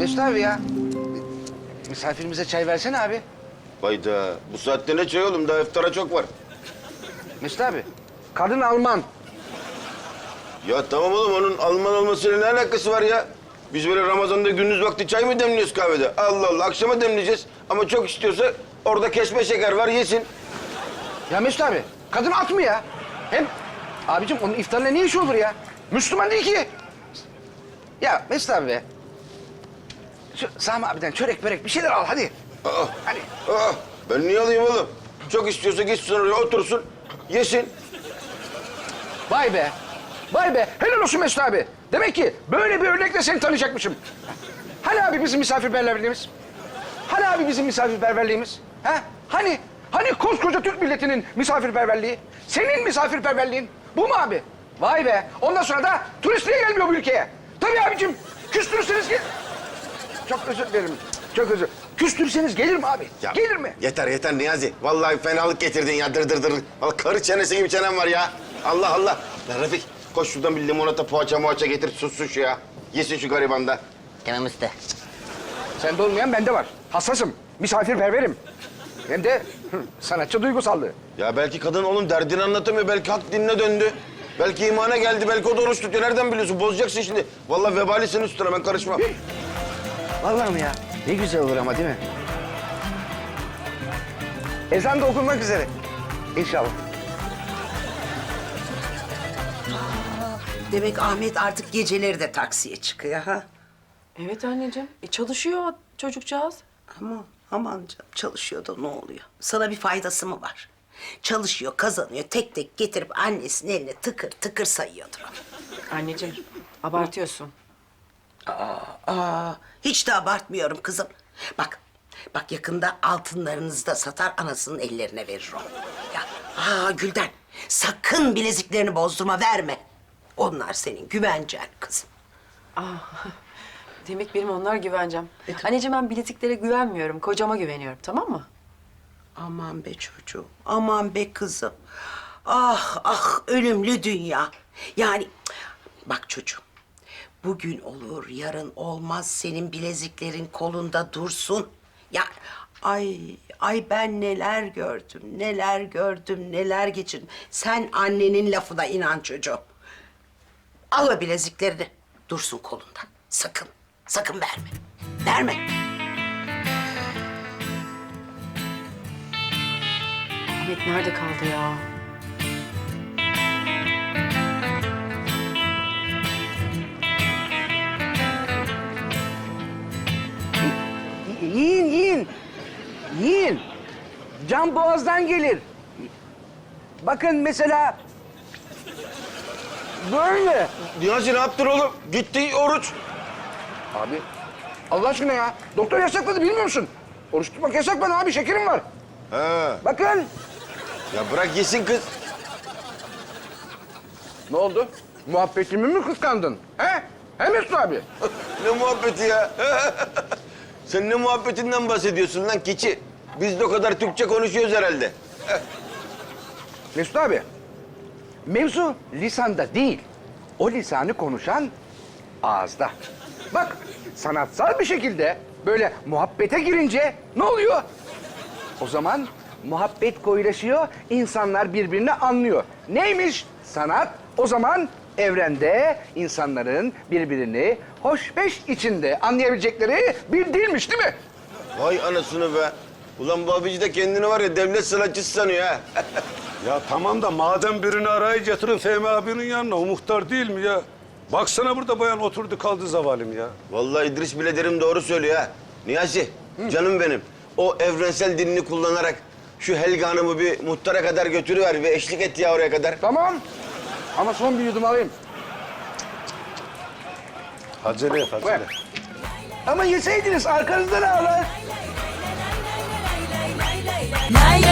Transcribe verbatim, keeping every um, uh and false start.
Mesut abi ya. Misafirimize çay versene abi. Hayda. Bu saatte ne çay oğlum? Daha iftara çok var. Mesut abi. Kadın Alman. Ya tamam oğlum, onun Alman olmasıyla ne alakası var ya? Biz böyle Ramazan'da gündüz vakti çay mı demliyoruz kahvede? Allah Allah, akşama demleyeceğiz. Ama çok istiyorsa orada kesme şeker var, yesin. Ya Mesut abi. Kadın at mı ya? Hem abicim onun iftarla ne işi olur ya? Müslüman değil ki. Ya Mesut abi be. Şu Sami abiden çörek börek bir şeyler al hadi. Aa, Hadi. aa, ben niye alayım oğlum? Çok istiyorsa gitsin oraya otursun, yesin. Vay be. Vay be. Helal olsun Mesut abi. Demek ki böyle bir örnekle seni tanıyacakmışım. Hani abi bizim misafirperverliğimiz? Hani abi bizim misafirperverliğimiz? Ha? Hani? Hani koskoca Türk milletinin misafirperverliği? Senin misafirperverliğin bu mu abi? Vay be. Ondan sonra da turist niye gelmiyor bu ülkeye? Tabii abicim. Küstürürseniz gel... Çok özür dilerim. Çok özür. Küstürseniz gelir mi abi? Ya, Gelir mi? Yeter yeter Niyazi. Vallahi fenalık getirdin ya, dır dır dır. Vallahi karı çenesi gibi çenem var ya. Allah Allah. Lan Refik, koş şuradan bir limonata, poğaça moğaça getir, sussun şu ya. Yesin şu gariban da. Tamam usta. Sende olmayan bende var. Hassasım. Misafirperverim. Hem de hı, sanatçı duygusallığı. Ya belki kadın onun derdini anlatamıyor, belki hak dinine döndü. Belki imana geldi, belki o da oruç tutuyor. Nereden biliyorsun? Bozacaksın şimdi. Vallahi vebali senin üstüne, ben karışmam. Vallahi mi ya? Ne güzel olur ama değil mi? Ezan da okunmak üzere. İnşallah. Demek Ahmet artık geceleri de taksiye çıkıyor ha? Evet anneciğim. E çalışıyor çocukcağız. Aman, aman canım çalışıyor da ne oluyor? Sana bir faydası mı var? Çalışıyor, kazanıyor, tek tek getirip annesinin eline tıkır tıkır sayıyordur o. Anneciğim abartıyorsun. Aa, hiç de abartmıyorum kızım. Bak, bak yakında altınlarınızı da satar, anasının ellerine verir o. Ya, aa Gülden, sakın bileziklerini bozdurma, verme. Onlar senin güvencen kızım. Demek benim onlar güvencem. Anneciğim ben biletiklere güvenmiyorum. Kocama güveniyorum, tamam mı? Aman be çocuğum, aman be kızım. Ah ah ölümlü dünya. Yani bak çocuğum, bugün olur yarın olmaz, senin bileziklerin kolunda dursun. Ya ay ay ben neler gördüm, neler gördüm, neler geçirdim. Sen annenin lafına inan çocuğum. Al o bileziklerini, dursun kolunda. Sakın, sakın verme. Verme. Ahmet nerede kaldı ya? Yiyin, yiyin. Yiyin. Can boğazdan gelir. Bakın mesela... Böyle. Niyazi ne yaptın oğlum? Gitti oruç. Abi, Allah aşkına ya. Doktor yasakladı, bilmiyor musun? Oruç tutmak yasak bana abi, şekerim var. Ha. Bakın. Ya bırak yesin kız. Ne oldu? Muhabbetimi mi kıskandın? He? He Mesut abi? Ne muhabbeti ya? Sen ne muhabbetinden bahsediyorsun lan keçi? Biz de o kadar Türkçe konuşuyoruz herhalde. Mesut abi, mevzu lisanda değil. O lisanı konuşan ağızda. Bak, sanatsal bir şekilde böyle muhabbete girince ne oluyor? O zaman muhabbet koyulaşıyor, insanlar birbirini anlıyor. Neymiş sanat? O zaman evrende insanların birbirini hoşbeş içinde anlayabilecekleri bir dilmiş değil mi? Vay anasını be. Ulan bu abici de kendini var ya devlet sanatçısı sanıyor ha. Ya tamam da madem birini arayı getirin Fehmi abinin yanına, o muhtar değil mi ya? Baksana burada bayan oturdu kaldı zavalım ya. Vallahi İdris bile derim doğru söylüyor ha. Niyazi, canım benim. O evrensel dilini kullanarak şu Helga Hanım'ı bir muhtara kadar götürüver ve eşlik et ya oraya kadar. Tamam. Ama son bir yudum alayım. Acele et, acele. Ama yeseydiniz arkanızda ne ağlar? Lay